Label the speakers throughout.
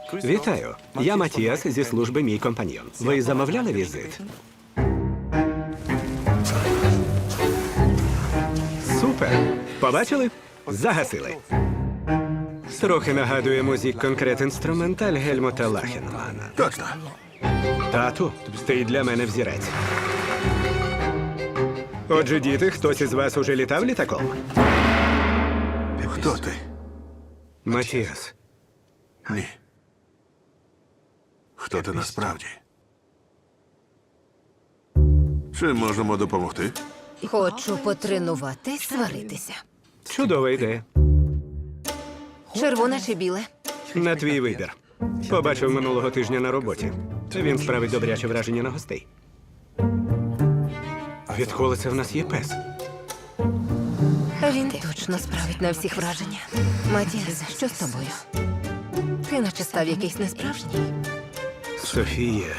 Speaker 1: Вітаю. Я Матіас зі служби «Мій компаньйон». Ви замовляли візит? Супер! Побачили? Загасили. Трохи нагадує музик конкрет інструменталь Гельмута Лахенмана.
Speaker 2: Точно.
Speaker 1: Тату, ти для мене взірець. Отже, діти, хтось із вас уже літав літаком?
Speaker 2: Хто ти?
Speaker 1: Матіас.
Speaker 2: Ні. Хто ти насправді? Чим можемо допомогти?
Speaker 3: Хочу потренуватись сваритися.
Speaker 1: Чудова ідея.
Speaker 3: Червоне чи біле?
Speaker 1: На твій вибір. Побачив минулого тижня на роботі. Він справить добряче враження на гостей. Відколи це в нас є пес?
Speaker 3: Він точно справить на всіх враження. Матіас, що з тобою? Ти наче став якийсь несправжній.
Speaker 1: Софія.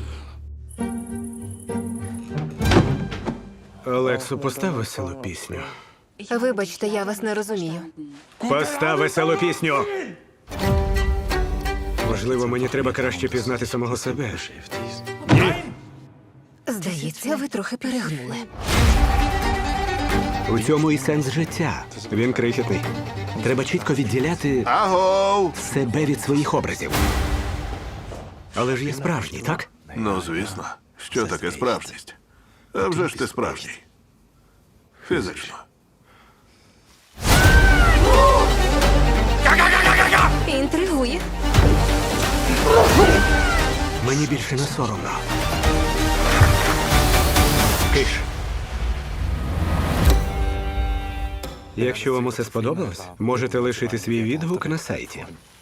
Speaker 1: Олексу, постав веселу пісню.
Speaker 3: Вибачте, я вас не розумію.
Speaker 1: Постав веселу пісню! Можливо, мені треба краще пізнати самого себе.
Speaker 3: Здається, ви трохи перегнули.
Speaker 1: У цьому і сенс життя. Він крихітний. Треба чітко відділяти
Speaker 2: Агов!
Speaker 1: себе від своїх образів. Але ж є справжній, так?
Speaker 2: Ну, звісно. Що таке справжність? А вже ж ти справжній. Фізично.
Speaker 3: Інтригує.
Speaker 1: Мені більше не соромно. Киш. Якщо вам усе сподобалось, можете лишити свій відгук на сайті.